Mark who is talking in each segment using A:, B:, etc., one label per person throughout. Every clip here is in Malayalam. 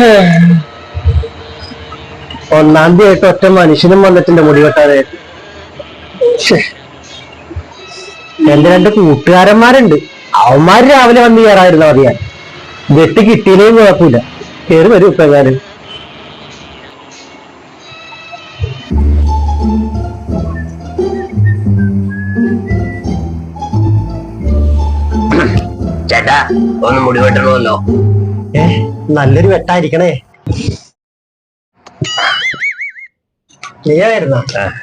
A: ഒന്നാം തീയതി ഒറ്റ മനുഷ്യനും വന്നിട്ടുണ്ട് മുടി വെട്ടാനായിട്ട്. എന്റെ രണ്ട് കൂട്ടുകാരന്മാരുണ്ട്, അവന്മാര് രാവിലെ വന്ന് കയറായിരുന്നു മതിയാ. വെട്ടി കിട്ടിയില്ലേലും കുഴപ്പമില്ല, കയറി വരും ഇപ്പൊ എങ്ങാനും.
B: ചേട്ടാ ഒന്ന് മുടി വെട്ടണമല്ലോ.
A: നല്ലൊരു വെട്ടായിരിക്കണേ. നീയായിരുന്ന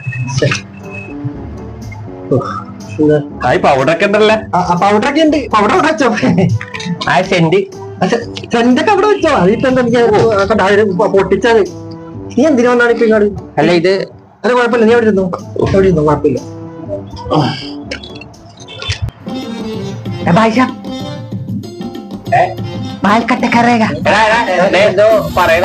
B: പൗഡറൊക്കെ ഉണ്ടല്ലേ?
A: പൗഡറൊക്കെ ഉണ്ട്. പൗഡർ അവിടെ വെച്ചോ?
B: ആ സെന്റ്
A: സെന്റൊക്കെ അവിടെ വെച്ചോ? അതിപ്പോ എനിക്ക് പൊട്ടിച്ചത്. നീ എന്തിനു വന്നാണ് ഇപ്പൊ ഇങ്ങോട്ട്?
B: അല്ല ഇത്
A: അത് കുഴപ്പമില്ല, നീ എവിടെ ഇരുന്നു? എവിടെ ഇരുന്നു? കുഴപ്പമില്ല.
B: എന്തോ പറയണ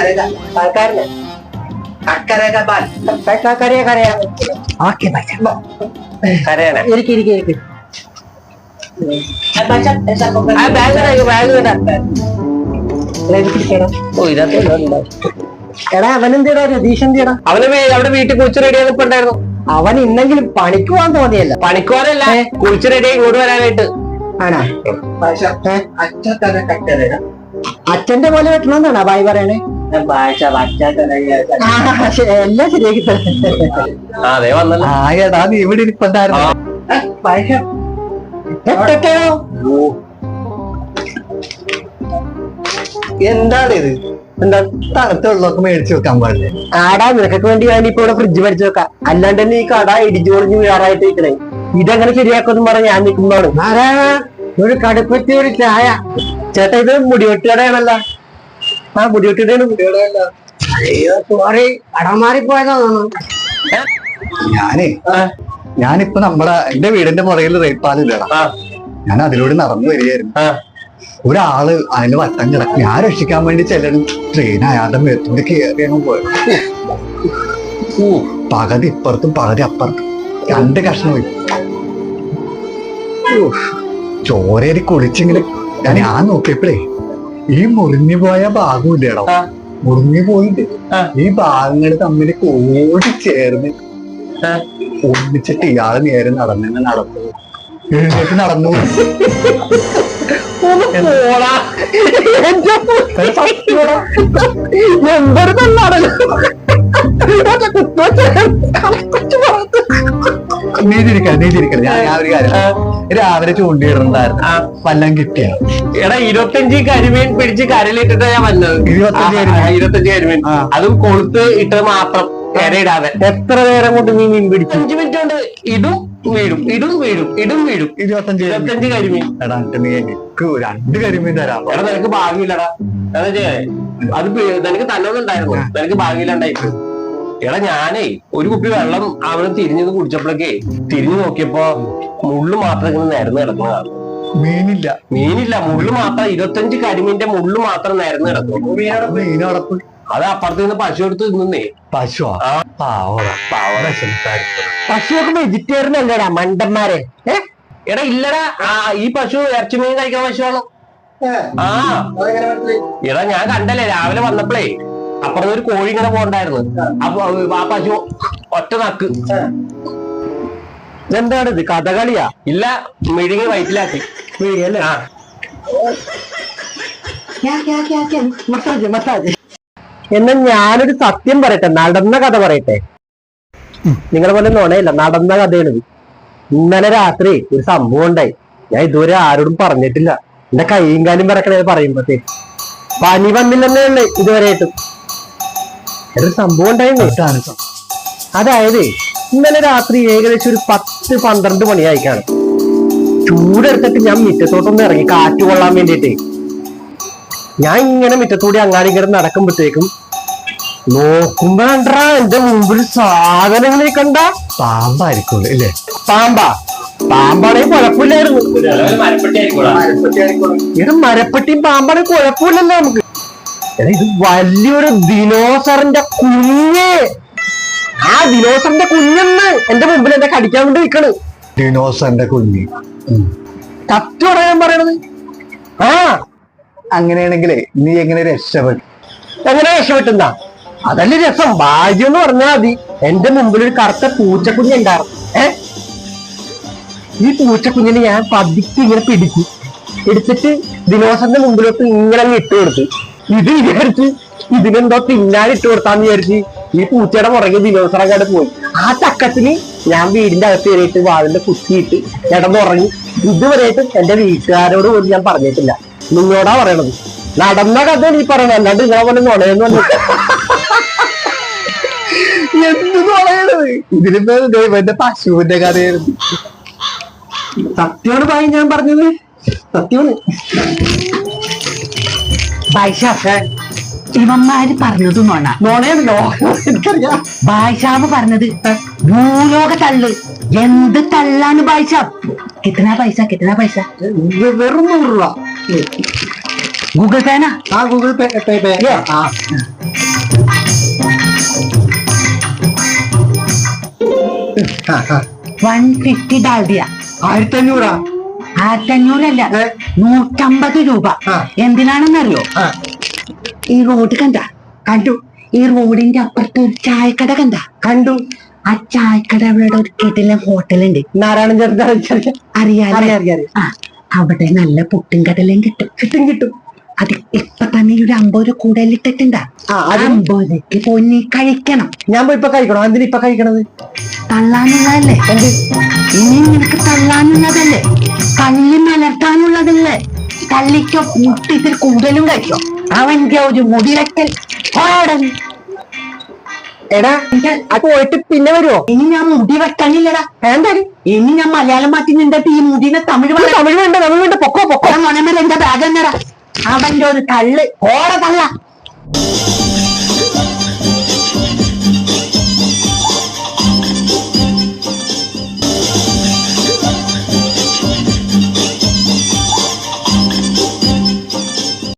A: എടാ അവനെന്തിടാ? രതീഷ് എന്തിടാ?
B: അവന് അവിടെ വീട്ടിൽ കുളിച്ച് റെഡി ആയിപ്പുണ്ടായിരുന്നു.
A: അവൻ ഇന്നെങ്കിലും പണിക്ക് പോകാൻ തോന്നിയല്ല.
B: പണിക്കുവാനല്ല, കുളിച്ച് റെഡി ഇങ്ങോട്ട് വരാനായിട്ട്.
A: ആണാ? അച്ഛന്റെ പോലെ വെട്ടണമെന്നാണ് ബായി പറയണേ. എല്ലാം ശരിയാക്കി
B: അതെ വന്നല്ലോ.
A: ആടാ, നീ ഇവിടെ ഇരിപ്പുണ്ടായിരുന്നു. എന്താണ് ഇത്? എന്താ തണുത്ത വെള്ളമൊക്കെ മേടിച്ചു വെക്കാൻ പാടില്ലേ? ആടാ, നിനക്കൊക്കെ വേണ്ടി ഞാൻ ഇപ്പൊ ഇവിടെ ഫ്രിഡ്ജ് മേടിച്ചു വെക്കാം. അല്ലാണ്ട് തന്നെ ഈ കട ഇടിച്ചു പൊളിഞ്ഞ് വീഴാറായിട്ട് നിൽക്കണേ. ഇതെങ്ങനെ ശരിയാക്കുമെന്ന് പറഞ്ഞ ഞാൻ നിൽക്കുമ്പോഴാണ്. ഒരു കടുപ്പത്തി ഒരു ചായ. ചേട്ടാ, ഇത് മുടിവെട്ടുകടയാണല്ലോ. ആ മുടിവെട്ടുകടയാണ്. മുടിവെട്ടുകടയല്ല. അയ്യോ സോറി, കടമാറിപ്പോയതാണോ? ഞാനിപ്പോ എന്റെ വീടിന്റെ മുറയിൽ റേപ്പാലില്ലടാ. ഞാൻ അതിലൂടെ നടന്നു വരികയായിരുന്നു. ഒരാള് അതിന് വട്ടം കിടക്കും. ഞാൻ രക്ഷിക്കാൻ വേണ്ടി ചെല്ലണം. ട്രെയിൻ അയാളുടെ മേത്തൂടെ കയറി അങ്ങ് പോയത്. പകുതി ഇപ്പുറത്തും പകുതി അപ്പുറത്തും 2 കഷ്ണം പോയി. ചോരേരി കുളിച്ചിങ്ങനെ ഞാൻ നോക്കിയപ്പോഴേ ഈ മുറിഞ്ഞു പോയ ഭാഗം ഇല്ലടോ. മുറിഞ്ഞു പോയിട്ട് ഈ ഭാഗങ്ങൾ തമ്മിൽ കൂടി ചേർന്ന് ഒന്നിച്ചിട്ട് ഇയാള് നേരെ നടന്നു എഴുന്നേറ്റ് നടന്നു. നീതിരിക്കല ഞാൻ ഒരു കാര്യം രാവിലെ ചൂണ്ടിയിടുന്നുണ്ടായിരുന്നു. വല്ലം കിട്ടിയ
B: എടാ 25 കരിമീൻ പിടിച്ച് കരലിട്ടിട്ടാ ഞാൻ വന്നത്. 25 കരിമീൻ, അതും കൊളുത്ത് ഇട്ടത് മാത്രം, കരയിടാതെ.
A: എത്ര നേരം കൊണ്ട് നീ മീൻ പിടിച്ചു?
B: 5 മിനിറ്റ് കൊണ്ട് ഇടും വീഴും, ഇടും വീഴും, ഇടും വീഴും. 25 കരിമീൻ.
A: എടാ, നീ എനിക്ക് 2 കരിമീൻ തരാം.
B: എടാ, നിനക്ക് ഭാഗ്യമില്ലടാ. അത് നിനക്ക് തന്നൊന്നും ഉണ്ടായിരുന്നു, നിനക്ക് ഭാഗ്യമില്ലാണ്ടായിട്ട്. എടാ, ഞാനേ ഒരു കുപ്പി വെള്ളം അവന് തിരിഞ്ഞത് കുടിച്ചപ്പോഴേക്കേ തിരിഞ്ഞു നോക്കിയപ്പോ മുള്ളു മാത്രം ഇങ്ങനെ നിരന്ന് കിടക്കുന്നതാണ്. മീനില്ല, മുള്ളു മാത്രം. 25 കരിമീന്റെ മുള്ളു മാത്രം നിരന്ന് കിടക്കുന്നു.
A: മീനടപ്പ്
B: അത് അപ്പുറത്ത് നിന്ന് പശു എടുത്ത് തിന്നേ.
A: പശുവാ? പശുവൊക്കെ വെജിറ്റേറിയൻ അല്ലേടാ മണ്ടന്മാരെ.
B: എടാ ഇല്ലടാ, ഈ പശു ഇറച്ചി മീൻ കഴിക്കാൻ പശുവാണ്. എടാ ഞാൻ കണ്ടല്ലേ രാവിലെ വന്നപ്പോഴേ അപ്പുറത്ത് ഒരു കോഴി ഇങ്ങനെ പോണ്ടായിരുന്നു. അപ്പൊ ആ പശു ഒറ്റ നക്ക്.
A: എന്താണ് ഇത്, കഥകളിയാ?
B: ഇല്ല, മിഴുങ്ങി വയറ്റിലാക്കി.
A: മിഴുങ്ങിയല്ലേ? മസാജ്. എന്നാൽ ഞാനൊരു സത്യം പറയട്ടെ, നടന്ന കഥ പറയട്ടെ. നിങ്ങളെ പോലെ നോണയല്ല, നടന്ന കഥയാണിത്. ഇന്നലെ രാത്രി ഒരു സംഭവം ഉണ്ടായി. ഞാൻ ഇതുവരെ ആരോടും പറഞ്ഞിട്ടില്ല. എന്റെ കൈയും കാലും പറക്കണേ പറയുമ്പോഴത്തേക്ക്. പനി വന്നില്ലെന്നേ ഉള്ളു ഇതുവരെയായിട്ടും. ഒരു സംഭവം ഉണ്ടായിരുന്നു. അതായത് ഇന്നലെ രാത്രി ഏകദേശം ഒരു 10-12 മണിയായിക്കാണ്. ചൂടെടുത്തിട്ട് ഞാൻ മുറ്റത്തോട്ടൊന്ന് ഇറങ്ങി കാറ്റ് കൊള്ളാൻ വേണ്ടിയിട്ട്. ഞാൻ ഇങ്ങനെ മുറ്റത്തൂടി അങ്ങാടി ഇങ്ങനെ നടക്കുമ്പോഴത്തേക്കും നോക്കുമ്പോ കണ്ടാ എന്റെ മുമ്പിൽ സാധനങ്ങളെ കണ്ട. പാമ്പായിരിക്കും അല്ലേ? പാമ്പാണെങ്കിൽ കുഴപ്പമില്ലായിരുന്നു. ഇത് മരപ്പെട്ടിയും പാമ്പാണെങ്കിൽ കുഴപ്പമില്ലല്ലോ നമുക്ക്. ഇത് വലിയൊരു ദിനോസറിന്റെ കുഞ്ഞ്. ആ ദിനോസറിന്റെ കുഞ്ഞെന്ന് എന്റെ മുമ്പിൽ എന്നെ കടിക്കാൻ വേണ്ടി നിൽക്കണ്. ദിനോസറിന്റെ കുഞ്ഞ് കറക്റ്റ് പറയാൻ പറയണത്. അങ്ങനെയാണെങ്കിലേ നീ എങ്ങനെ രക്ഷപ്പെട്ടു? എങ്ങനെ രക്ഷപ്പെട്ടുന്ന അതല്ലേ രസം. ഭാഗ്യം എന്ന് പറഞ്ഞാൽ മതി. എന്റെ മുമ്പിൽ ഒരു കറുത്ത പൂച്ചക്കുഞ്ഞുണ്ടായിരുന്നു. ഈ പൂച്ചക്കുഞ്ഞിനെ ഞാൻ പതുക്കെ ഇങ്ങനെ പിടിച്ചു എടുത്തിട്ട് ദിനോസറിന്റെ മുമ്പിലോട്ട് ഇങ്ങനെ അങ്ങ് ഇട്ട് കൊടുത്തു. ഇത് വിചാരിച്ച് ഇതിനെന്തോ തിന്നാൻ ഇട്ട് കൊടുത്താന്ന് വിചാരിച്ച് ഈ പൂച്ചയുടെ പുറകെ ദിനോസറങ്ങാട് പോയി. ആ തക്കത്തിന് ഞാൻ വീടിന്റെ അകത്ത് കയറിയിട്ട് വാതിന്റെ കുത്തിയിട്ട് കിടന്നുറങ്ങി. ഇതുവരെയായിട്ട് എന്റെ വീട്ടുകാരോട് പോലും ഞാൻ പറഞ്ഞിട്ടില്ല. നിങ്ങളോടാ പറയണത്. നടന്ന കഥ നീ പറയണത്, അല്ലാണ്ട് ഇങ്ങനെ പോലെ നുണയെന്ന് പറഞ്ഞു. എന്ത് നുണയണത്? ഇതിലിപ്പോ എന്റെ പശുവിന്റെ കഥയായിരുന്നു. സത്യമാണ് ഭായി ഞാൻ പറഞ്ഞത്, സത്യമാണ്.
C: ബായിഷാ, ഇവന്മാര് പറഞ്ഞത്
A: നുണയാണല്ലോ എനിക്കറിയാം.
C: ബായിഷാവ് പറഞ്ഞത് ഭൂലോക തള്ള്. എന്ത് തള്ളാണ് ബായിഷാ? കിത്തനാ പൈസ, കിത്തനാ പൈസ?
A: വെറും 100 രൂപ.
C: ഗൂഗിൾ പേനാ?
A: ആ ഗൂഗിൾ പേ.
C: 150 ഡാൽഡിയ.
A: 1500.
C: 1500 അല്ല, 150 രൂപ. എന്തിനാണെന്നറിയോ? ഈ റോഡ് കണ്ടു. ഈ റോഡിന്റെ അപ്പുറത്ത് ഒരു ചായക്കട കണ്ടു. ആ ചായക്കടയുടെ ഒരു കിടിലൻ ഹോട്ടലുണ്ട്.
A: നാരായണൻ ചേർത്ത്
C: അറിയാം. അവിടെ നല്ല പുട്ടും കടലയും കിട്ടും. അത് ഇപ്പൊ തന്നെ ഒരു 50 രൂപ കൂടുതലിട്ടിട്ടുണ്ടാ. 50 രൂപയ്ക്ക് പോയി നീ കഴിക്കണം.
A: ഞാൻ പോയി ഇപ്പൊ കഴിക്കണോ? എന്തിനാ ഇപ്പൊ കഴിക്കണത്?
C: തള്ളാനുള്ളതല്ലേ? ഇനി നിനക്ക് തള്ളാനുള്ളതല്ലേ? കള്ളി മലർത്താനുള്ളതല്ലേ? തള്ളിക്കോ, മുട്ടി ഇതിൽ കൂടുതലും കഴിക്കോ. അവന്റെ ഒരു മുടിവെക്കൽ.
A: എടാ അത് പോയിട്ട് പിന്നെ വരുമോ?
C: ഇനി ഞാൻ മുടി വെക്കാനില്ലടാ.
A: എന്തായാലും
C: ഇനി ഞാൻ മലയാളം മാറ്റി നിന്നിട്ട് ഈ മുടിനെ തമിഴ്
A: വേണ്ട. പൊക്കോ
C: മണമേൽ എന്റെ ബാഗ് എന്നടാ. അവന്റെ ഒരു തള്ള്. ഓട തള്ള.